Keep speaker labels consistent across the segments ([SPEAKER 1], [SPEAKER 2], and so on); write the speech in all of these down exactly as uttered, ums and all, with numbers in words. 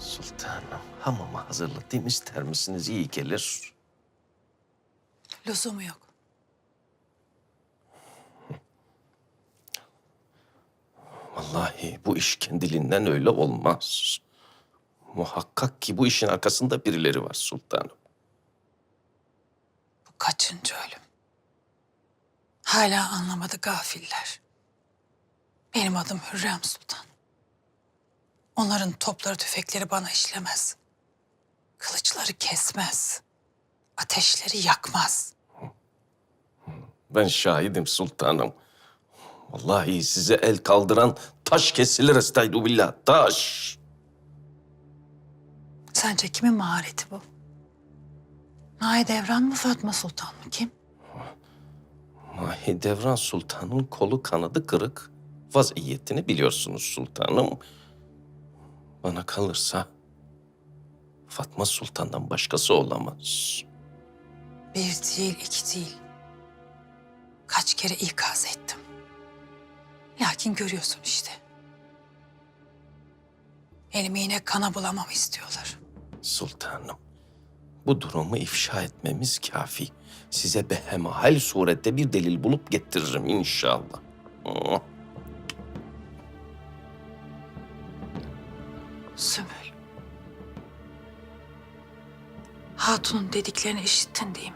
[SPEAKER 1] Sultanım, hamama hazırlatayım ister misiniz? İyi gelir.
[SPEAKER 2] Lüzumu yok.
[SPEAKER 1] Vallahi bu iş kendiliğinden öyle olmaz. Muhakkak ki bu işin arkasında birileri var sultanım.
[SPEAKER 2] Bu kaçıncı ölüm? Hala anlamadı gafiller. Benim adım Hürrem Sultan. Onların topları tüfekleri bana işlemez. Kılıçları kesmez. Ateşleri yakmaz.
[SPEAKER 1] Ben şahidim sultanım. Vallahi size el kaldıran taş kesilir estağfirullah, taş.
[SPEAKER 2] Sence kimin mahareti bu? Mahidevran mı, Fatma Sultan mı, kim?
[SPEAKER 1] Mahidevran Sultan'ın kolu kanadı kırık. Vaziyetini biliyorsunuz sultanım. Bana kalırsa Fatma Sultan'dan başkası olamaz.
[SPEAKER 2] Bir değil, iki değil. Kaç kere ikaz ettim. Lakin görüyorsun işte. Elimi yine kana bulamamı istiyorlar.
[SPEAKER 1] Sultanım, bu durumu ifşa etmemiz kafi. Size behemahal surette bir delil bulup getiririm inşallah. Oh.
[SPEAKER 2] Sümbül. Hatun'un dediklerini işittin değil mi?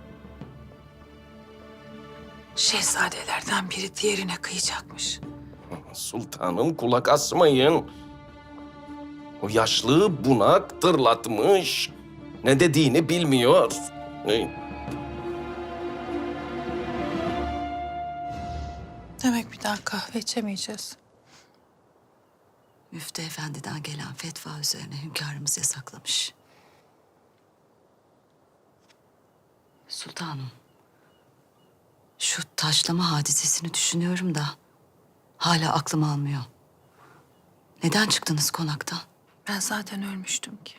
[SPEAKER 2] Şehzadelerden biri diğerine kıyacakmış.
[SPEAKER 1] Sultanım kulak asmayın. O yaşlı bunak tırlatmış. Ne dediğini bilmiyor.
[SPEAKER 2] Demek bir daha kahve içemeyeceğiz.
[SPEAKER 3] Müftü Efendi'den gelen fetva üzerine hünkârımız yasaklamış. Sultanım, şu taşlama hadisesini düşünüyorum da hala aklım almıyor. Neden çıktınız konaktan?
[SPEAKER 2] Ben zaten ölmüştüm ki.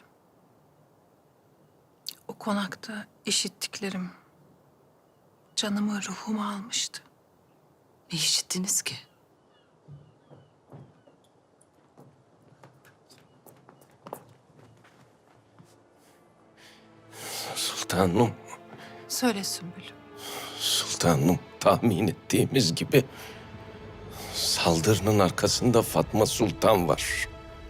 [SPEAKER 2] O konakta işittiklerim canımı, ruhumu almıştı.
[SPEAKER 3] Ne işittiniz ki?
[SPEAKER 1] Sultanım,
[SPEAKER 2] Söyle Sümbül.
[SPEAKER 1] sultanım tahmin ettiğimiz gibi saldırının arkasında Fatma Sultan var.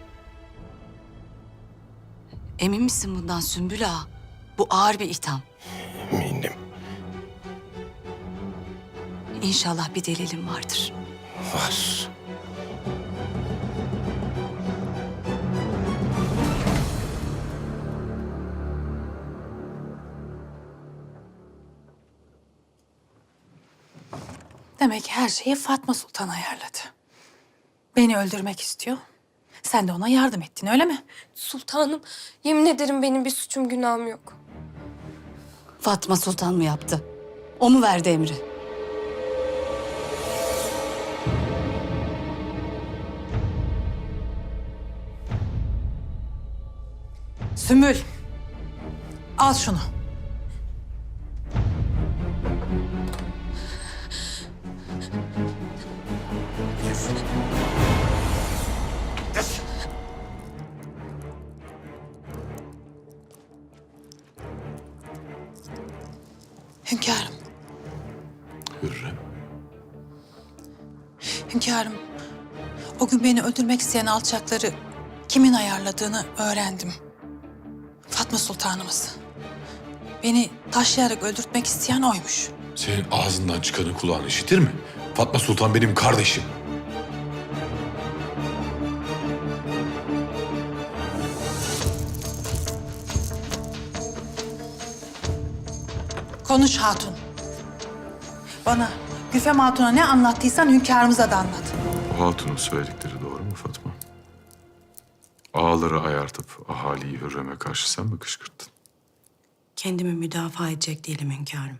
[SPEAKER 3] Emin misin bundan Sümbül Ağa? Bu ağır bir itham.
[SPEAKER 1] Eminim.
[SPEAKER 3] İnşallah bir delilim vardır.
[SPEAKER 1] Var.
[SPEAKER 2] Demek her şeyi Fatma Sultan ayarladı. Beni öldürmek istiyor. Sen de ona yardım ettin, öyle mi?
[SPEAKER 4] Sultanım, yemin ederim benim bir suçum günahım yok.
[SPEAKER 3] Fatma Sultan mı yaptı? O mu verdi emri?
[SPEAKER 2] Sümbül, al şunu. Hünkârım,
[SPEAKER 5] Hürrem.
[SPEAKER 2] hünkârım. O gün beni öldürmek isteyen alçakları kimin ayarladığını öğrendim. Fatma Sultanımız. Beni taşlayarak öldürtmek isteyen oymuş.
[SPEAKER 5] Senin ağzından çıkanı kulağın işitir mi? Fatma Sultan benim kardeşim.
[SPEAKER 2] Konuş hatun. Bana Güfem Hatun'a ne anlattıysan hünkârımıza da anlat.
[SPEAKER 5] O hatunun söyledikleri doğru mu Fatma? Ağaları ayartıp ahaliyi Hürrem'e karşı sen mi kışkırttın?
[SPEAKER 6] Kendimi müdafaa edecek değilim hünkârım.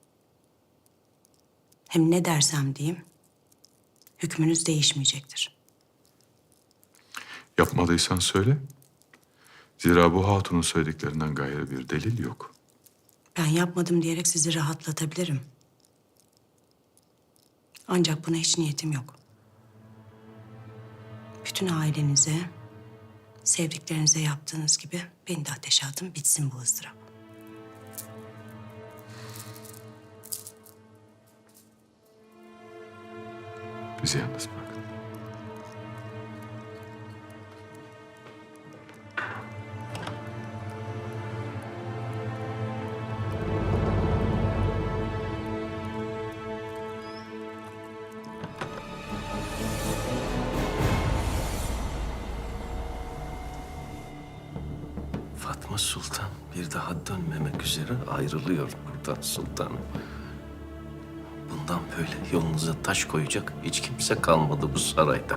[SPEAKER 6] Hem ne dersem diyeyim, hükmünüz değişmeyecektir.
[SPEAKER 5] Yapmadıysan söyle. Zira bu hatunun söylediklerinden gayrı bir delil yok.
[SPEAKER 6] Ben yapmadım diyerek sizi rahatlatabilirim. Ancak buna hiç niyetim yok. Bütün ailenize, Sevdiklerinize yaptığınız gibi beni de ateşe atın, bitsin bu ızdırap.
[SPEAKER 5] Bizi yalnız bırakın.
[SPEAKER 1] Fatma Sultan bir daha dönmemek üzere ayrılıyor buradan sultanım. Bundan böyle yolunuza taş koyacak hiç kimse kalmadı bu sarayda.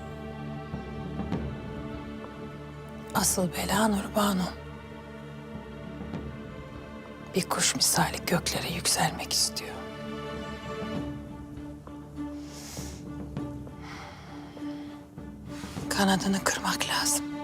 [SPEAKER 2] Asıl bela Nurbanu. Bir kuş misali göklere yükselmek istiyor. Kanadını kırmak lazım.